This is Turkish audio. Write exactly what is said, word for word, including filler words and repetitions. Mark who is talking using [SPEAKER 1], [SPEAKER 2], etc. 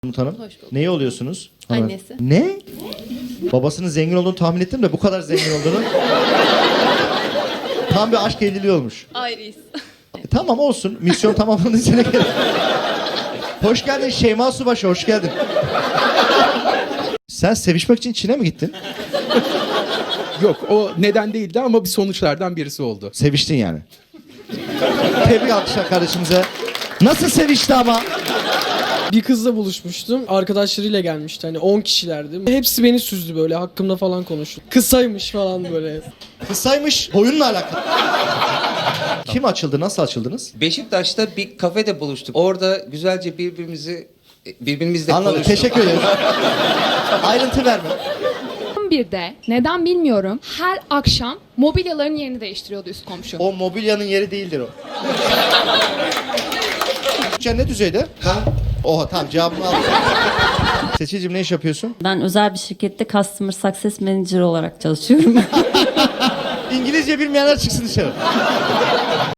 [SPEAKER 1] Umut Hanım.
[SPEAKER 2] Hoş bulduk.
[SPEAKER 1] Neyi oluyorsunuz?
[SPEAKER 2] Annesi.
[SPEAKER 1] Ne? Babasının zengin olduğunu tahmin ettim de bu kadar zengin olduğunu. Tam bir aşk evliliği olmuş.
[SPEAKER 2] Ayrıyız.
[SPEAKER 1] E, tamam olsun. Misyon tamamlandı. Sene gel. Hoş geldin Şeyma Subaşı, hoş geldin. Sen sevişmek için Çin'e mi gittin?
[SPEAKER 3] Yok, o neden değildi ama bir sonuçlardan birisi oldu.
[SPEAKER 1] Seviştin yani. Tebrik alkışlar kardeşimize. Nasıl sevişti ama?
[SPEAKER 4] Bir kızla buluşmuştum. Arkadaşlarıyla gelmişti. Hani on kişilerdi. Hepsi beni süzdü böyle. Hakkımda falan konuştu. Kısaymış falan böyle.
[SPEAKER 1] Kısaymış, boyunla alakalı. Kim açıldı, nasıl açıldınız?
[SPEAKER 5] Beşiktaş'ta bir kafede buluştuk. Orada güzelce birbirimizi birbirimizle
[SPEAKER 1] Anladım,
[SPEAKER 5] konuştuk.
[SPEAKER 1] teşekkür ederim. Ayrıntı verme.
[SPEAKER 6] bir de neden bilmiyorum her akşam mobilyaların yerini değiştiriyordu üst komşu.
[SPEAKER 1] O mobilyanın yeri değildir o. Sen ne düzeyde? Ha? Oha tamam cevabımı aldım. Seçilcim ne iş yapıyorsun?
[SPEAKER 7] Ben özel bir şirkette Customer Success Manager olarak çalışıyorum.
[SPEAKER 1] İngilizce bilmeyenler çıksın dışarı.